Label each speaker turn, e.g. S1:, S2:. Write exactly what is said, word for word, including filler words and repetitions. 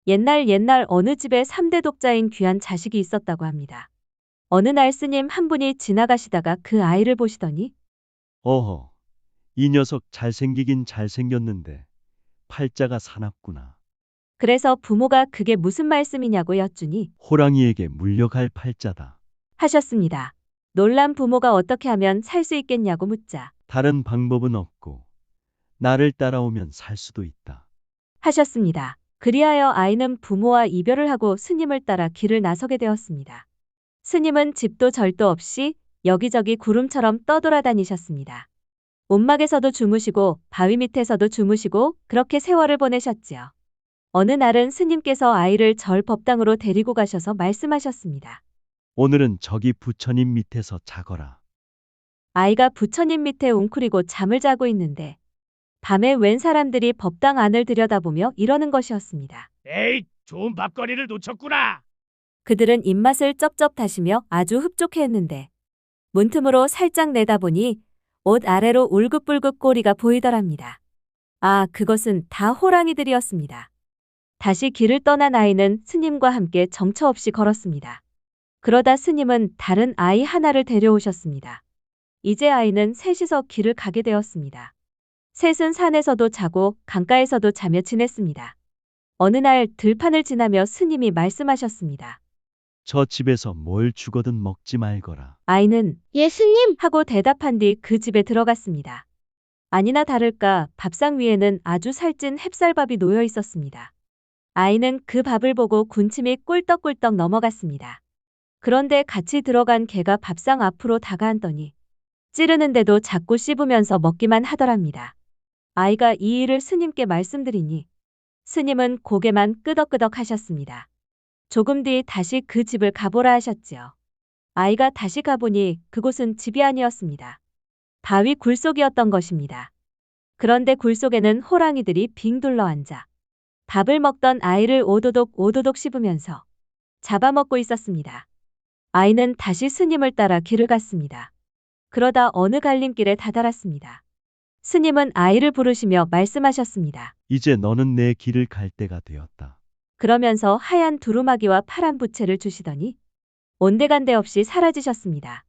S1: 옛날 옛날 어느 집에 삼 대 독자인 귀한 자식이 있었다고 합니다. 어느 날 스님 한 분이 지나가시다가 그 아이를 보시더니
S2: 어허, 이 녀석 잘생기긴 잘생겼는데 팔자가 사납구나.
S1: 그래서 부모가 그게 무슨 말씀이냐고 여쭈니
S2: 호랑이에게 물려갈 팔자다.
S1: 하셨습니다. 놀란 부모가 어떻게 하면 살 수 있겠냐고 묻자
S2: 다른 방법은 없고 나를 따라오면 살 수도 있다.
S1: 하셨습니다. 그리하여 아이는 부모와 이별을 하고 스님을 따라 길을 나서게 되었습니다. 스님은 집도 절도 없이 여기저기 구름처럼 떠돌아다니셨습니다. 온막에서도 주무시고 바위 밑에서도 주무시고 그렇게 세월을 보내셨지요. 어느 날은 스님께서 아이를 절 법당으로 데리고 가셔서 말씀하셨습니다.
S2: 오늘은 저기 부처님 밑에서 자거라.
S1: 아이가 부처님 밑에 웅크리고 잠을 자고 있는데 밤에 웬 사람들이 법당 안을 들여다보며 이러는 것이었습니다.
S3: 에이, 좋은 밥거리를 놓쳤구나.
S1: 그들은 입맛을 쩝쩝 다시며 아주 흡족해했는데 문틈으로 살짝 내다보니 옷 아래로 울긋불긋 꼬리가 보이더랍니다. 아, 그것은 다 호랑이들이었습니다. 다시 길을 떠난 아이는 스님과 함께 정처 없이 걸었습니다. 그러다 스님은 다른 아이 하나를 데려오셨습니다. 이제 아이는 셋이서 길을 가게 되었습니다. 셋은 산에서도 자고 강가에서도 자며 지냈습니다. 어느 날 들판을 지나며 스님이 말씀하셨습니다.
S2: 저 집에서 뭘 주거든 먹지 말거라.
S1: 아이는
S4: 예수님,
S1: 하고 대답한 뒤 그 집에 들어갔습니다. 아니나 다를까 밥상 위에는 아주 살찐 햅쌀밥이 놓여 있었습니다. 아이는 그 밥을 보고 군침이 꿀떡꿀떡 넘어갔습니다. 그런데 같이 들어간 개가 밥상 앞으로 다가앉더니 찌르는데도 자꾸 씹으면서 먹기만 하더랍니다. 아이가 이 일을 스님께 말씀드리니 스님은 고개만 끄덕끄덕 하셨습니다. 조금 뒤 다시 그 집을 가보라 하셨지요. 아이가 다시 가보니 그곳은 집이 아니었습니다. 바위 굴속이었던 것입니다. 그런데 굴속에는 호랑이들이 빙 둘러앉아 밥을 먹던 아이를 오도독 오도독 씹으면서 잡아먹고 있었습니다. 아이는 다시 스님을 따라 길을 갔습니다. 그러다 어느 갈림길에 다다랐습니다. 스님은 아이를 부르시며 말씀하셨습니다.
S2: 이제 너는 내 길을 갈 때가 되었다.
S1: 그러면서 하얀 두루마기와 파란 부채를 주시더니 온데간데 없이 사라지셨습니다.